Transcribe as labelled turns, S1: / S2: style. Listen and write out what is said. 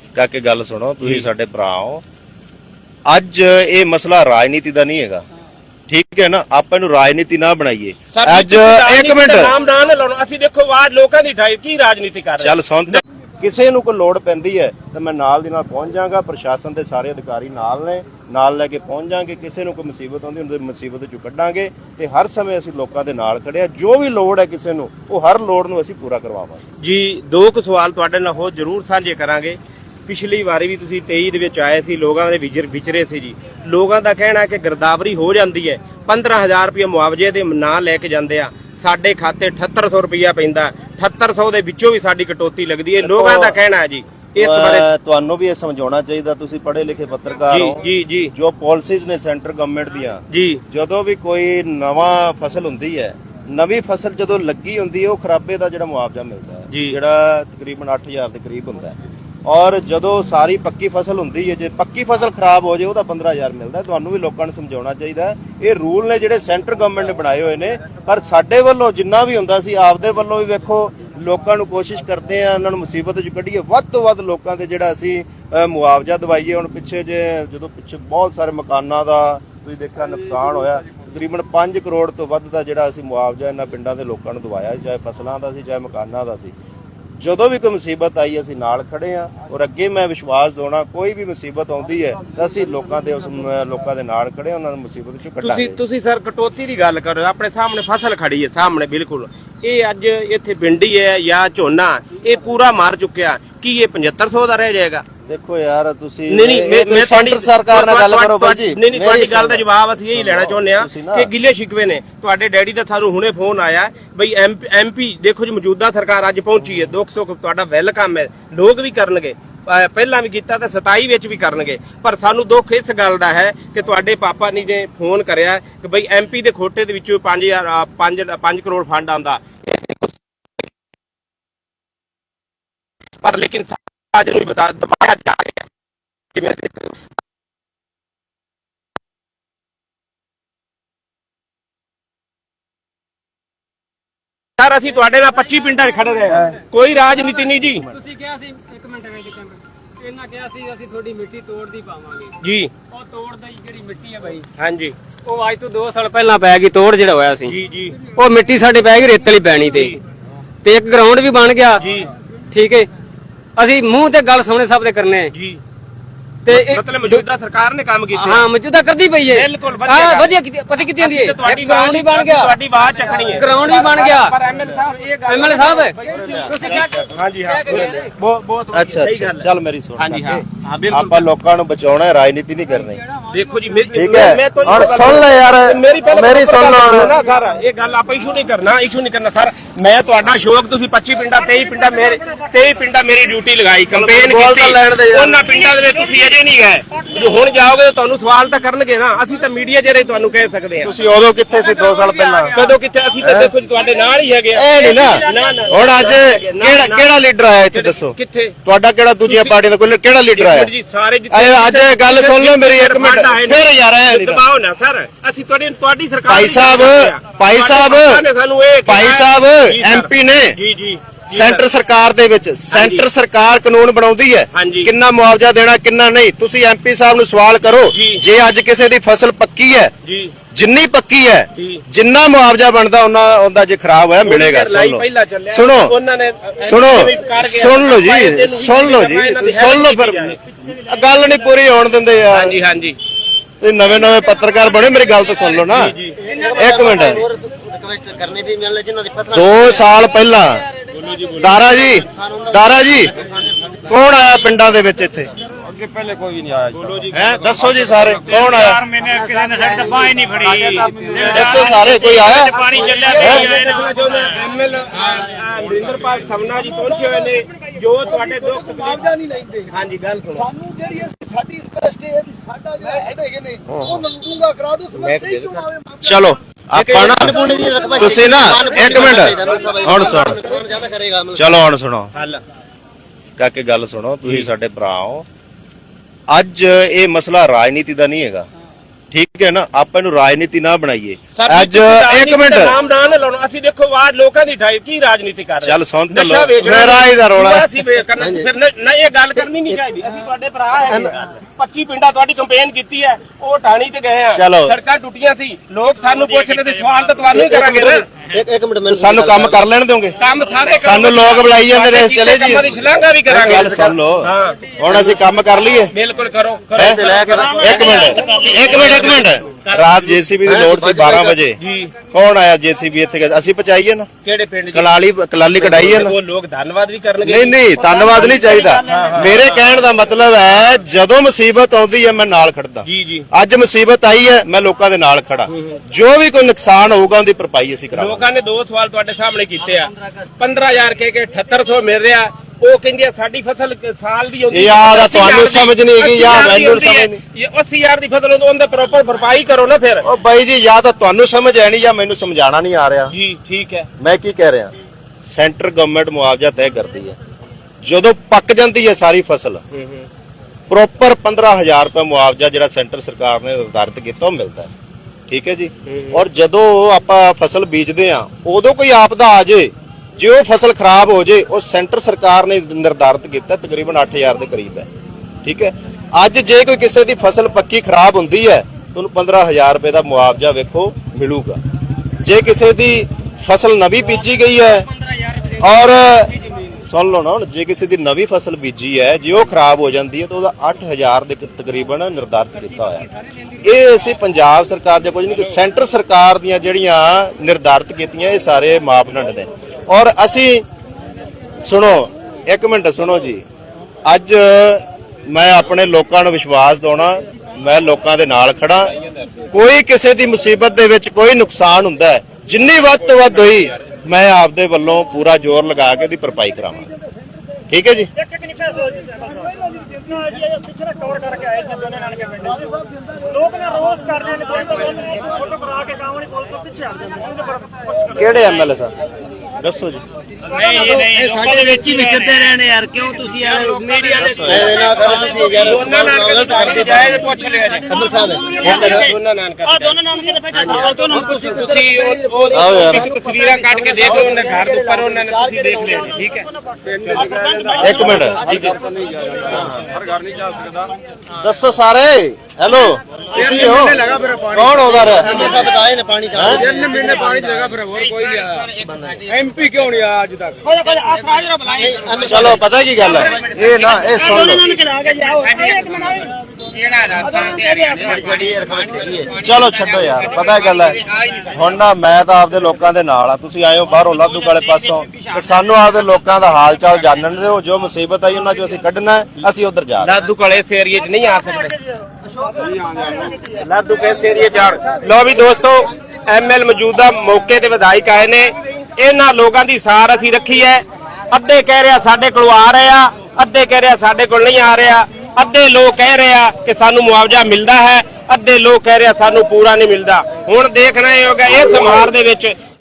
S1: ਕਾਕੇ ਗੱਲ ਸੁਣੋ, ਤੁਸੀਂ ਸਾਡੇ ਭਰਾ ਹੋ। ਅੱਜ ਇਹ ਮਸਲਾ ਰਾਜਨੀਤੀ ਦਾ ਨਹੀਂ ਹੈਗਾ, ਠੀਕ ਹੈ ਨਾ? ਆਪਾਂ ਇਹਨੂੰ ਰਾਜਨੀਤੀ ਨਾ ਬਣਾਈਏ। ਅੱਜ ਇੱਕ ਮਿੰਟ
S2: ਨਾਮ ਨਾ ਲਾਉਣਾ, ਅਸੀਂ ਦੇਖੋ ਆਵਾਜ਼ ਲੋਕਾਂ ਦੀ ਠਾਈ ਕੀ ਰਾਜਨੀਤੀ ਕਰ ਰਹੇ।
S1: ਚੱਲ ਸੁਣ, ਕਿਸੇ ਨੂੰ ਕੋਈ ਲੋੜ ਪੈਂਦੀ ਹੈ ਤਾਂ ਮੈਂ ਨਾਲ ਦੀ ਨਾਲ ਪਹੁੰਚ ਜਾਵਾਂਗਾ। ਪ੍ਰਸ਼ਾਸਨ ਦੇ ਸਾਰੇ ਅਧਿਕਾਰੀ ਨਾਲ ਨੇ, ਨਾਲ ਲੈ ਕੇ ਪਹੁੰਚ ਜਾਵਾਂਗੇ। ਕਿਸੇ ਨੂੰ ਕੋਈ ਮੁਸੀਬਤ ਆਉਂਦੀ ਉਹਨੂੰ ਮੁਸੀਬਤ ਚੋਂ ਕੱਢਾਂਗੇ ਤੇ ਹਰ ਸਮੇਂ ਅਸੀਂ ਲੋਕਾਂ ਦੇ ਨਾਲ ਖੜੇ ਆ। ਜੋ ਵੀ ਲੋੜ ਹੈ ਕਿਸੇ ਨੂੰ, ਉਹ ਹਰ ਲੋੜ ਨੂੰ ਅਸੀਂ ਪੂਰਾ ਕਰਵਾਵਾਂਗੇ
S2: ਜੀ। ਦੋ ਕੁ ਸਵਾਲ ਤੁਹਾਡੇ ਨਾਲ ਹੋਰ ਜ਼ਰੂਰ ਸਾਂਝੇ ਕਰਾਂਗੇ। ਪਿਛਲੀ ਵਾਰੀ ਵੀ ਤੁਸੀਂ 23 ਦੇ ਵਿੱਚ ਆਏ ਸੀ, ਲੋਕਾਂ ਦੇ ਵਿਚਰੇ ਸੀ ਜੀ। ਲੋਕਾਂ ਦਾ ਕਹਿਣਾ ਹੈ ਕਿ ਗਿਰਦਾਵਰੀ ਹੋ ਜਾਂਦੀ ਹੈ, 15,000 ਰੁਪਏ ਮੁਆਵਜ਼ੇ ਦੇ ਨਾਂ ਲੈ ਕੇ ਜਾਂਦੇ ਆ, ਸਾਡੇ ਖਾਤੇ 7800 ਰੁਪਇਆ ਪੈਂਦਾ, 7800 ਦੇ ਵਿੱਚੋਂ ਵੀ ਸਾਡੀ ਕਟੌਤੀ ਲੱਗਦੀ ਹੈ। ਲੋਕਾਂ ਦਾ ਕਹਿਣਾ ਹੈ ਜੀ। ਇਸ ਬਾਰੇ
S1: ਤੁਹਾਨੂੰ ਵੀ ਇਹ ਸਮਝਾਉਣਾ ਚਾਹੀਦਾ, ਤੁਸੀਂ ਪੜ੍ਹੇ ਲਿਖੇ ਪੱਤਰਕਾਰ ਹੋ
S2: ਜੀ ਜੀ।
S1: ਜੋ ਪਾਲਿਸੀਜ਼ ਨੇ ਸੈਂਟਰ ਗਵਰਨਮੈਂਟ ਦੀਆਂ
S2: ਜੀ,
S1: ਜਦੋਂ ਵੀ ਕੋਈ ਨਵਾਂ ਫਸਲ ਹੁੰਦੀ ਹੈ, ਨਵੀਂ ਫਸਲ ਜਦੋਂ ਲੱਗੀ ਹੁੰਦੀ ਹੈ, ਉਹ ਖਰਾਬੇ ਦਾ ਜਿਹੜਾ ਮੁਆਵਜ਼ਾ ਮਿਲਦਾ ਹੈ ਜਿਹੜਾ ਤਕਰੀਬਨ 8000 ਦੇ ਕਰੀਬ ਹੁੰਦਾ ਹੈ। ਔਰ ਜਦੋਂ ਸਾਰੀ ਪੱਕੀ ਫਸਲ ਹੁੰਦੀ ਹੈ, ਜੇ ਪੱਕੀ ਫਸਲ ਖਰਾਬ ਹੋ ਜਾਏ ਉਹਦਾ 15,000 ਮਿਲਦਾ। ਤੁਹਾਨੂੰ ਵੀ ਲੋਕਾਂ ਨੂੰ ਸਮਝਾਉਣਾ ਚਾਹੀਦਾ, ਇਹ ਰੂਲ ਨੇ ਜਿਹੜੇ ਸੈਂਟਰ ਗਵਰਨਮੈਂਟ ਨੇ ਬਣਾਏ ਹੋਏ ਨੇ। ਪਰ ਸਾਡੇ ਵੱਲੋਂ ਜਿੰਨਾ ਵੀ ਹੁੰਦਾ ਸੀ, ਆਪਦੇ ਵੱਲੋਂ ਵੀ ਵੇਖੋ ਲੋਕਾਂ ਨੂੰ ਕੋਸ਼ਿਸ਼ ਕਰਦੇ ਆ, ਇਹਨਾਂ ਨੂੰ ਮੁਸੀਬਤ ਚ ਕੱਢੀਏ, ਵੱਧ ਤੋਂ ਵੱਧ ਲੋਕਾਂ ਦੇ ਜਿਹੜਾ ਅਸੀਂ ਮੁਆਵਜ਼ਾ ਦਵਾਈਏ। ਹੁਣ ਪਿੱਛੇ ਜਦੋਂ ਬਹੁਤ ਸਾਰੇ ਮਕਾਨਾਂ ਦਾ ਤੁਸੀਂ ਦੇਖਿਆ ਨੁਕਸਾਨ ਹੋਇਆ, ਤਕਰੀਬਨ 5 ਕਰੋੜ ਤੋਂ ਵੱਧ ਦਾ ਜਿਹੜਾ ਅਸੀਂ ਮੁਆਵਜ਼ਾ ਇਹਨਾਂ ਪਿੰਡਾਂ ਦੇ ਲੋਕਾਂ ਨੂੰ ਦਵਾਇਆ, ਚਾਹੇ ਫਸਲਾਂ ਦਾ ਸੀ ਚਾਹੇ ਮਕਾਨਾਂ ਦਾ ਸੀ। ਜਦੋਂ ਵੀ ਕੋਈ ਮੁਸੀਬਤ ਆਈ ਅਸੀਂ ਨਾਲ ਖੜੇ ਆ। ਔਰ ਅੱਗੇ ਮੈਂ ਵਿਸ਼ਵਾਸ ਦਿਵਾਉਣਾ, ਕੋਈ ਵੀ ਮੁਸੀਬਤ ਆਉਂਦੀ ਹੈ ਤਾਂ ਅਸੀਂ ਲੋਕਾਂ ਦੇ ਨਾਲ ਖੜੇ, ਉਹਨਾਂ ਨੂੰ ਮੁਸੀਬਤ ਚੋਂ ਕੱਢਾਂਗੇ।
S2: ਤੁਸੀਂ ਸਰ ਕਟੌਤੀ ਦੀ ਗੱਲ ਕਰੋ, ਆਪਣੇ ਸਾਹਮਣੇ ਫਸਲ ਖੜੀ ਹੈ ਸਾਹਮਣੇ ਬਿਲਕੁਲ। ਇਹ ਅੱਜ ਇੱਥੇ ਭਿੰਡੀ ਹੈ ਜਾਂ ਝੋਨਾ, ਇਹ ਪੂਰਾ ਮਾਰ ਚੁੱਕਿਆ, ਕੀ ਇਹ 7500 ਦਾ ਰਹਿ ਜਾਏਗਾ?
S1: ਦੇਖੋ ਯਾਰ ਤੁਸੀਂ
S2: ਮੈਂ
S1: ਸੈਂਟਰ ਸਰਕਾਰ ਨਾਲ ਗੱਲ ਕਰੋ ਬਾਈ ਜੀ।
S2: ਨਹੀਂ ਤੁਹਾਡੀ ਗੱਲ ਦਾ ਜਵਾਬ ਅਸੀਂ ਇਹੀ ਲੈਣਾ ਚਾਹੁੰਦੇ ਆ ਕਿ ਗਿੱਲੇ ਸ਼ਿਕਵੇ ਨੇ। ਤੁਹਾਡੇ ਡੈਡੀ ਦਾ ਸਾਨੂੰ ਹੁਣੇ ਫੋਨ ਆਇਆ ਬਈ ਐਮਪੀ ਦੇਖੋ ਜੀ, ਮੌਜੂਦਾ ਸਰਕਾਰ ਅੱਜ ਪਹੁੰਚੀ ਹੈ, ਦੁੱਖ ਸੁੱਖ ਤੁਹਾਡਾ ਵੈਲਕਮ ਹੈ, ਲੋਕ ਵੀ ਕਰਨਗੇ, ਪਹਿਲਾਂ ਵੀ ਕੀਤਾ ਤੇ 27 ਵਿੱਚ ਵੀ ਕਰਨਗੇ। ਪਰ ਸਾਨੂੰ ਦੁੱਖ ਇਸ ਗੱਲ ਦਾ ਹੈ ਕਿ ਤੁਹਾਡੇ ਪਾਪਾ ਨੇ ਫੋਨ ਕਰਿਆ ਕਿ ਬਈ ਐਮਪੀ ਦੇ ਖੋਟੇ ਦੇ ਵਿੱਚੋਂ 5 ਕਰੋੜ ਫੰਡ ਆਉਂਦਾ, ਪਰ ਲੇਕਿਨ ਅੱਜ ਨੂੰ ਦਬਾਇਆ ਜਾ ਰਿਹਾ। ਕਿਵੇਂ ਸਰ ਅਸੀਂ ਤੁਹਾਡੇ ਨਾਲ 25 ਪਿੰਡਾਂ 'ਚ ਖੜੇ ਰਹੇ, ਕੋਈ ਰਾਜਨੀਤੀ ਨਹੀਂ ਜੀ।
S3: ਤੁਸੀਂ ਕਿਹਾ ਸੀ 1 ਮਿੰਟ ਇਹਨਾਂ ਕਿਹਾ ਸੀ ਅਸੀਂ ਤੁਹਾਡੀ ਮਿੱਟੀ ਤੋੜ ਦੀ ਪਾਵਾਂਗੇ
S2: ਜੀ।
S3: ਉਹ ਤੋੜ ਦੀ ਜਿਹੜੀ ਮਿੱਟੀ ਹੈ ਬਾਈ,
S2: ਹਾਂਜੀ,
S3: ਉਹ ਅੱਜ ਤੋਂ 2 ਸਾਲ ਪਹਿਲਾਂ ਪੈ ਗਈ ਤੋੜ ਜਿਹੜਾ ਹੋਇਆ ਸੀ
S2: ਜੀ ਜੀ।
S3: ਉਹ ਮਿੱਟੀ ਸਾਡੇ ਪੈ ਗਈ ਰੇਤਲੀ ਪੈਣੀ ਤੇ ਇੱਕ ਗਰਾਊਂਡ ਵੀ ਬਣ ਗਿਆ
S2: ਜੀ,
S3: ਠੀਕ ਹੈ। ਅਸੀਂ ਮੂੰਹ ਤੇ ਗੱਲ ਸੁਣੇ ਸਭ ਦੇ ਕਰਨੇ
S2: ਜੀ।
S3: ਤੇ
S2: ਮਤਲਬ ਮੌਜੂਦਾ ਸਰਕਾਰ ਨੇ ਕੰਮ ਕੀਤਾ।
S3: ਹਾਂ ਮੌਜੂਦਾ ਕਰਦੀ ਪਈ ਹੈ,
S2: ਬਿਲਕੁਲ
S3: ਵਧੀਆ ਪਤਾ ਕੀਤੀ ਹੁੰਦੀ ਹੈ। ਗਰਾਊਂਡ ਵੀ ਬਣ ਗਿਆ,
S2: ਤੁਹਾਡੀ ਬਾਤ ਚੱਕਣੀ ਹੈ,
S3: ਗਰਾਊਂਡ ਵੀ ਬਣ ਗਿਆ।
S2: ਪਰ ਐਮਐਲਏ ਸਾਹਿਬ ਇਹ ਗੱਲ,
S3: ਐਮਐਲਏ ਸਾਹਿਬ ਤੁਸੀਂ
S2: ਹਾਂਜੀ ਹਾਂ ਬਹੁਤ
S1: ਅੱਛਾ ਚੱਲ ਮੇਰੀ ਸੁਣ।
S2: ਹਾਂਜੀ ਹਾਂ ਬਿਲਕੁਲ।
S1: ਆਪਾਂ ਲੋਕਾਂ ਨੂੰ ਬਚਾਉਣਾ ਹੈ, ਰਾਜਨੀਤੀ ਨਹੀਂ ਕਰਨੀ।
S2: ਦੇਖੋ ਜੀ
S1: ਠੀਕ ਹੈ, ਹੁਣ ਸੁਣ ਲੈ ਯਾਰ, ਮੇਰੀ ਸੁਣ ਲਓ
S2: ਨਾ ਸਰ, ਇਹ ਗੱਲ ਆਪਾਂ ਇਸ਼ੂ ਨਹੀਂ ਕਰਨਾ ਸਰ। ਮੈਂ ਤੁਹਾਡਾ ਸ਼ੌਕ, ਤੁਸੀਂ 25 ਪਿੰਡਾਂ 23 ਪਿੰਡਾਂ ਮੇਰੀ ਡਿਊਟੀ ਲਗਾਈ, ਕੰਪੇਨ ਕੀਤੀ, ਉਹਨਾਂ ਪਿੰਡਾਂ ਦੇ ਵਿੱਚ ਤੁਸੀਂ ਅਜੇ ਨਹੀਂ ਗਏ। ਜੋ ਹੁਣ ਜਾਓਗੇ ਤਾਂ ਤੁਹਾਨੂੰ ਸਵਾਲ ਤਾਂ ਕਰਨਗੇ ਨਾ। ਅਸੀਂ ਤਾਂ ਮੀਡੀਆ ਜਿਹੜੇ ਤੁਹਾਨੂੰ ਕਹਿ ਸਕਦੇ ਹਾਂ।
S1: ਤੁਸੀਂ ਉਦੋਂ ਕਿੱਥੇ ਸੀ 2 ਸਾਲ ਪਹਿਲਾਂ?
S2: ਕਦੋਂ ਕਿੱਥੇ? ਅਸੀਂ ਤਾਂ ਦੇਖੋ ਜੀ ਤੁਹਾਡੇ ਨਾਲ ਹੀ ਹੈਗੇ।
S1: ਇਹ ਨਹੀਂ ਨਾ ਹੁਣ ਅੱਜ ਕਿਹੜਾ ਲੀਡਰ ਆਇਆ ਇੱਥੇ ਦੱਸੋ?
S2: ਕਿੱਥੇ
S1: ਤੁਹਾਡਾ ਕਿਹੜਾ ਦੂਜੀਆਂ ਪਾਰਟੀਆਂ ਦਾ ਕੋਈ ਕਿਹੜਾ ਲੀਡਰ ਆਇਆ
S2: ਜੀ? ਸਾਰੇ
S1: ਅੱਜ ਗੱਲ ਸੁਣ ਲਓ ਮੇਰੀ 1 ਮਿੰਟ ਫਿਰ ਯਾਰ।
S2: ਦਬਾਓ ਨਾ ਸਰ, ਅਸੀਂ ਤੁਹਾਡੀ ਸਰਕਾਰ
S1: ਭਾਈ ਸਾਹਿਬ ਐਮਪੀ ਨੇ
S2: ਜੀ ਜੀ
S1: ਸੈਂਟਰ ਸਰਕਾਰ ਦੇ ਵਿੱਚ, ਸੈਂਟਰ ਸਰਕਾਰ ਕਾਨੂੰਨ ਬਣਾਉਂਦੀ ਹੈ ਕਿੰਨਾ ਮੁਆਵਜ਼ਾ ਦੇਣਾ ਕਿੰਨਾ ਨਹੀਂ। ਤੁਸੀਂ ਐਮਪੀ ਸਾਹਿਬ ਨੂੰ ਸਵਾਲ ਕਰੋ, ਜੇ ਅੱਜ ਕਿਸੇ ਦੀ ਫਸਲ ਪੱਕੀ ਹੈ, ਜਿੰਨੀ ਪੱਕੀ ਹੈ, ਜਿੰਨਾ ਮੁਆਵਜ਼ਾ ਬਣਦਾ ਉਹਨਾਂ ਜੇ ਖਰਾਬ ਹੋਇਆ ਮਿਲੇਗਾ। ਸੁਣੋ ਸੁਣ ਲਓ ਫਿਰ ਗੱਲ ਨਹੀਂ ਪੂਰੀ ਹੋਣ ਦਿੰਦੇ ਯਾਰ।
S2: ਹਾਂਜੀ ਹਾਂਜੀ,
S1: ਤੇ ਨਵੇਂ ਪੱਤਰਕਾਰ ਬਣੇ, ਮੇਰੀ ਗੱਲ ਤਾਂ ਸੁਣ ਲਓ ਨਾ 1 ਮਿੰਟ। 2 ਸਾਲ ਪਹਿਲਾਂ ਦਾਰਾ ਜੀ ਕੌਣ ਆਇਆ ਪਿੰਡਾਂ ਦੇ ਵਿੱਚ ਇੱਥੇ?
S4: ਅੱਗੇ ਪਹਿਲੇ ਕੋਈ ਨਹੀਂ ਆਇਆ। ਬੋਲੋ ਜੀ,
S1: ਦੱਸੋ ਜੀ ਸਾਰੇ ਕੌਣ ਆਇਆ?
S4: 4 ਮਹੀਨੇ ਕਿਸੇ ਨੇ ਸਾਡੀ ਡੱਬਾ ਹੀ ਨਹੀਂ ਫੜੀ।
S1: ਦੱਸੋ ਸਾਰੇ ਕੋਈ ਆਇਆ?
S4: ਪਾਣੀ ਚੱਲਿਆ
S2: ਐਮਐਲ ਨਰਿੰਦਰਪਾਲ ਸਮਨਾ ਜੀ ਪਹੁੰਚੇ ਹੋਏ ਨੇ, ਜੋ ਤੁਹਾਡੇ ਦੁੱਖ
S5: ਮੁਆਵਜ਼ਾ ਨਹੀਂ ਲੈਂਦੇ।
S2: ਹਾਂਜੀ ਗੱਲ ਸੁਣੋ।
S5: ਸਾਨੂੰ ਜਿਹੜੀ ਸਾਡੀ ਰਿਕੁਐਸਟ ਹੈ ਵੀ ਸਾਡਾ ਜਿਹੜਾ ਹੈਡ ਹੈਗੇ ਨੇ ਉਹ ਨੰਦੂਗਾ ਕਰਾ ਦਿਓ। ਸਮੱਸਿਆ ਕਿਉਂ ਆਵੇ?
S1: ਚਲੋ ਆਪਾਂ ਨਾ ਤੁਸੀਂ ਨਾ 1 ਮਿੰਟ ਹੁਣ ਸੁਣ। ਚਲੋ ਹੁਣ ਸੁਣੋ ਕਾਕੇ ਗੱਲ ਸੁਣੋ, ਤੁਸੀਂ ਸਾਡੇ ਭਰਾ ਹੋ। ਅੱਜ ਇਹ ਮਸਲਾ ਰਾਜਨੀਤੀ ਦਾ ਨਹੀਂ ਹੈਗਾ, ਠੀਕ ਹੈ ਨਾ, ਆਪਾਂ ਇਹਨੂੰ ਰਾਜਨੀਤੀ ਨਾ ਬਣਾਈਏ।
S2: ਸਰ
S1: ਅੱਜ
S2: ਤੁਸੀਂ
S1: ਇੱਕ ਮਿੰਟ
S2: ਨਾਮ ਨਾ ਲਾਉਣਾ, ਅਸੀਂ ਦੇਖੋ ਆਹ ਲੋਕਾਂ ਦੀ ਢਾਈ ਕੀ ਰਾਜਨੀਤੀ ਕਰ ਰਹੇ
S1: ਚੱਲ ਸੁਣ ਤਾਂ
S2: ਨਸ਼ਾ
S1: ਲਓ,
S2: ਵੇਚਣਾ,
S1: ਮੇਰਾ ਹੀ ਦਾ ਰੌਲਾ।
S2: ਅਸੀਂ ਵੇਚ ਕਰਨਾ, ਫਿਰ ਨਾ ਇਹ ਗੱਲ ਕਰਨੀ ਨਹੀਂ ਚਾਹੀਦੀ। ਅਸੀਂ ਤੁਹਾਡੇ ਭਰਾ ਹੈ, 25 ਪਿੰਡਾਂ ਤੁਹਾਡੀ ਕੰਪੇਨ ਕੀਤੀ ਹੈ, ਉਹ ਢਾਣੀ ਤੇ ਗਏ ਆ,
S1: ਚਲੋ।
S2: ਸੜਕਾਂ ਟੁੱਟੀਆਂ ਸੀ, ਲੋਕ ਸਾਨੂੰ ਪੁੱਛ ਰਹੇ ਸੀ, ਸਵਾਲ ਤਾਂ ਤੁਹਾਨੂੰ ਹੀ ਕਰਾਂਗੇ ਨਾ।
S5: ਇੱਕ ਮਿੰਟ ਮੈਨੂੰ
S1: ਸਾਨੂੰ ਕੰਮ ਕਰ ਲੈਣ ਦਿਓਗੇ?
S2: ਕੰਮ ਸਾਰੇ ਕਰੋ।
S1: ਸਾਨੂੰ ਲੋਕ ਬੁਲਾਈ ਜਾਂਦੇ ਨੇ, ਚਲੇ ਜੀ
S2: ਕੰਮਾਂ ਦੀ ਸ਼ਲਾਘਾ ਵੀ ਕਰਾਂਗੇ।
S1: ਗੱਲ ਸੁਣ ਲਓ,
S2: ਹਾਂ।
S1: ਹੁਣ ਅਸੀਂ ਕੰਮ ਕਰ ਲਈਏ।
S2: ਬਿਲਕੁਲ ਕਰੋ
S1: ਹੈਂ? ਇੱਕ ਮਿੰਟ ਰਾਤ ਜੀਸੀਬੀ ਦੀ ਲੋੜ ਸੀ 12 ਵਜੇ
S2: ਜੀ।
S1: ਕੌਣ ਆਇਆ ਜੀਸੀਬੀ ਇੱਥੇ? ਅਸੀਂ ਪਹੁੰਚਾਈਏ ਨਾ,
S2: ਕਿਹੜੇ ਪਿੰਡ
S1: ਕਲਾਲੀ ਕਢਾਈ ਹੈ ਨਾ।
S2: ਉਹ ਲੋਕ ਧੰਨਵਾਦ ਵੀ ਕਰਨਗੇ।
S1: ਨਹੀਂ ਧੰਨਵਾਦ ਨਹੀਂ ਚਾਹੀਦਾ। ਮੇਰੇ ਕਹਿਣ ਦਾ ਮਤਲਬ ਹੈ ਜਦੋਂ ਮੁਸੀਬਤ ਆਉਂਦੀ ਹੈ ਮੈਂ ਨਾਲ ਖੜਦਾ।
S2: ਜੀ।
S1: ਅੱਜ ਮੁਸੀਬਤ ਆਈ ਹੈ, ਮੈਂ ਲੋਕਾਂ ਦੇ ਨਾਲ ਖੜਾ। ਜੋ ਵੀ ਕੋਈ ਨੁਕਸਾਨ ਹੋਊਗਾ ਉਹਦੀ ਭਰਪਾਈ ਅਸੀਂ ਕਰਾਂਗੇ।
S2: ਲੋਕਾਂ ਨੇ 2 ਸਵਾਲ ਤੁਹਾਡੇ ਸਾਹਮਣੇ ਕੀਤੇ ਆ। 15000 ਕੇ 7800 ਮਿਲ ਰਿਹਾ, ਉਹ ਕਹਿੰਦੇ ਆ ਸਾਡੀ ਫਸਲ ਸਾਲ ਦੀ ਹੁੰਦੀ
S1: ਯਾਰ ਤੁਹਾਨੂੰ ਸਮਝ ਨਹੀਂ ਹੈਗੀ ਯਾਰ ਮੈਨੂੰ ਸਮਝ ਨਹੀਂ।
S2: 80000 ਦੀ ਫਸਲ ਉਹਦੇ ਪ੍ਰੋਪਰ ਭਰਪਾਈ ਕਰੋ ਨਾ ਫਿਰ।
S1: ਉਹ ਬਾਈ ਜੀ ਜਾਂ ਤਾਂ ਤੁਹਾਨੂੰ ਸਮਝ ਹੈ ਨਹੀਂ ਜਾਂ ਮੈਨੂੰ ਸਮਝਾਣਾ ਨਹੀਂ ਆ ਰਿਹਾ।
S2: ਜੀ ਠੀਕ ਹੈ।
S1: ਮੈਂ ਕੀ ਕਹਿ ਰਿਹਾ, ਸੈਂਟਰ ਗਵਰਨਮੈਂਟ ਮੁਆਵਜ਼ਾ ਤੈਅ ਕਰਦੀ ਹੈ। ਜਦੋਂ ਪੱਕ ਜਾਂਦੀ ਹੈ ਸਾਰੀ ਫਸਲ ਪ੍ਰੋਪਰ 15000 ਰੁਪਏ ਮੁਆਵਜ਼ਾ ਜਿਹੜਾ ਸੈਂਟਰ ਸਰਕਾਰ ਨੇ ਨਿਰਧਾਰਿਤ ਕੀਤਾ ਉਹ ਮਿਲਦਾ ਹੈ। ਠੀਕ ਹੈ ਜੀ। ਔਰ ਜਦੋਂ ਆਪਾਂ ਫਸਲ ਬੀਜਦੇ ਆ ਉਦੋਂ ਕੋਈ ਆਪਦਾ ਆ ਜੇ, ਜੇ ਉਹ ਫਸਲ ਖਰਾਬ ਹੋ ਜੇ, ਉਹ ਸੈਂਟਰ ਸਰਕਾਰ ਨੇ ਨਿਰਧਾਰਿਤ ਕੀਤਾ ਤਕਰੀਬਨ 8000 ਦੇ ਕਰੀਬ ਹੈ। ਠੀਕ ਹੈ। ਅੱਜ ਜੇ ਕੋਈ ਕਿਸੇ ਦੀ ਫਸਲ ਪੱਕੀ ਖਰਾਬ ਹੁੰਦੀ ਹੈ ਤੁਹਾਨੂੰ 15000 ਰੁਪਏ ਦਾ ਮੁਆਵਜ਼ਾ ਵੇਖੋ ਮਿਲੂਗਾ। ਜੇ ਕਿਸੇ ਦੀ ਫਸਲ ਨਵੀਂ ਬੀਜੀ ਗਈ ਹੈ ਔਰ ਸੁਣ ਲਓ ਨਾ, ਹੁਣ ਜੇ ਕਿਸੇ ਦੀ ਨਵੀਂ ਫਸਲ ਬੀਜੀ ਹੈ ਜੇ ਉਹ ਖਰਾਬ ਹੋ ਜਾਂਦੀ ਹੈ ਤਾਂ ਉਹਦਾ 8000 ਦੇ ਤਕਰੀਬਨ ਨਿਰਧਾਰਿਤ ਕੀਤਾ ਹੋਇਆ। ਇਹ ਅਸੀਂ ਪੰਜਾਬ ਸਰਕਾਰ ਜਾਂ ਕੁਝ ਨਹੀਂ, ਸੈਂਟਰ ਸਰਕਾਰ ਦੀਆਂ ਜਿਹੜੀਆਂ ਨਿਰਧਾਰਿਤ ਕੀਤੀਆਂ ਇਹ ਸਾਰੇ ਮਾਪਦੰਡ ਨੇ। ਔਰ ਅਸੀਂ ਸੁਣੋ, ਇੱਕ ਮਿੰਟ ਸੁਣੋ ਜੀ, ਅੱਜ ਮੈਂ ਆਪਣੇ ਲੋਕਾਂ ਨੂੰ ਵਿਸ਼ਵਾਸ ਦਿਵਾਉਣਾ, ਮੈਂ ਲੋਕਾਂ ਦੇ ਨਾਲ ਖੜਾ। ਕੋਈ ਕਿਸੇ ਦੀ ਮੁਸੀਬਤ ਦੇ ਵਿੱਚ ਕੋਈ ਨੁਕਸਾਨ ਹੁੰਦਾ ਹੈ, ਜਿੰਨੀ ਵੱਧ ਤੋਂ ਵੱਧ ਹੋਈ ਮੈਂ ਆਪਦੇ ਵੱਲੋਂ ਪੂਰਾ ਜ਼ੋਰ ਲਗਾ ਕੇ ਉਹਦੀ ਭਰਪਾਈ ਕਰਾਵਾਂ। ਠੀਕ ਹੈ ਜੀ। ਕਿਹੜੇ ਐਮਐਲਏ ਸਾਹਿਬ ਦੱਸੋ ਜੀ।
S4: ਇਹ ਸਾਡੇ ਵਿੱਚ ਹੀ ਵਿਚਰਦੇ ਰਹਿਣੇ ਯਾਰ, ਕਿਉਂ ਤੁਸੀਂ ਮੀਡੀਆ ਦੇ
S2: ਦੋਨਾਂ ਨਾਨਕੇ ਦੀ ਜਾਇਜ਼ ਪੁੱਛ ਲਿਆ ਜੀ। ਦੋਨਾਂ ਨਾਨਕੇ ਤੁਸੀਂ ਉਹ ਤਸਵੀਰਾਂ ਕੱਢ ਕੇ ਦੇਖ ਲਓ, ਉਹਨੇ ਘਰ ਦੇ ਉੱਪਰ ਉਹਨਾਂ ਨੇ ਤੁਸੀਂ ਦੇਖ ਲਿਆ ਜੀ। ਠੀਕ ਹੈ।
S1: ਇੱਕ ਮਿੰਟ ਦੱਸੋ ਸਾਰੇ। ਹੈਲੋ ਤੁਸੀਂ ਹੋ ਕੌਣ ਹੋਦਾ ਰਿਹਾ?
S5: बताए ना पानी का
S4: ਮਹੀਨੇ ਪਾਣੀ ਚ ਲਗਾ ਫਿਰ ਹੋਰ ਕੋਈ ਨਹੀਂ ਆਇਆ। ਐਮਪੀ ਕਿਉਂ ਨਹੀਂ ਆਇਆ ਅੱਜ ਤੱਕ?
S1: ਚਲੋ ਪਤਾ ਕੀ ਗੱਲ ਹੈ, ਇਹ ਨਾ ਇਹ ਸੁਣ ਲਓ। ਚਲੋ ਛੱਡੋ ਯਾਰ, ਪਤਾ ਗੱਲ ਹੈ ਹੁਣ ਨਾ, ਮੈਂ ਤਾਂ ਆਪਦੇ ਲੋਕਾਂ ਦੇ ਨਾਲ ਆ। ਤੁਸੀਂ ਆਏ ਹੋ ਬਾਹਰੋਂ ਲਾਧੂ ਵਾਲੇ ਪਾਸੋਂ, ਤੇ ਸਾਨੂੰ ਆਪਦੇ ਲੋਕਾਂ ਦਾ ਹਾਲ ਚਾਲ ਜਾਣਨ ਦਿਓ। ਜੋ ਮੁਸੀਬਤ ਆਈ ਉਹਨਾਂ ਚੋਂ ਅਸੀਂ ਕੱਢਣਾ ਹੈ, ਅਸੀਂ ਉਧਰ ਜਾ ਰਹੇ।
S2: ਲਾਧੂ ਕਾਲੇ ਇਸ ਏਰੀਏ 'ਚ ਨਹੀਂ ਆ ਸਕਦੇ। ਲਾਧੂ ਕੇ ਇਸ ਏਰੀਏ 'ਚ ਲੋ ਵੀ ਦੋਸਤੋ, ਐਮਐਲ ਮੌਜੂਦਾ ਮੌਕੇ ਤੇ ਵਿਧਾਇਕ ਆਏ ਨੇ। ਇਹਨਾਂ ਲੋਕਾਂ ਦੀ ਸਾਰ ਅਸੀਂ ਰੱਖੀ ਹੈ। ਅੱਧੇ ਕਹਿ ਰਿਹਾ ਸਾਡੇ ਕੋਲ ਆ ਰਹੇ ਆ, ਅੱਧੇ ਕਹਿ ਰਿਹਾ ਸਾਡੇ ਕੋਲ ਨਹੀਂ ਆ ਰਿਹਾ। ਅੱਧੇ ਲੋਕ ਕਹਿ ਰਹੇ ਆ ਕਿ ਸਾਨੂੰ ਮੁਆਵਜ਼ਾ ਮਿਲਦਾ ਹੈ, ਅੱਧੇ ਲੋਕ ਕਹਿ ਰਹੇ ਆ ਸਾਨੂੰ ਪੂਰਾ ਨਹੀਂ ਮਿਲਦਾ। ਹੁਣ ਦੇਖਣਾ ਇਹ ਹੋਗਾ ਇਸ ਸਮਾਰ ਦੇ ਵਿੱਚ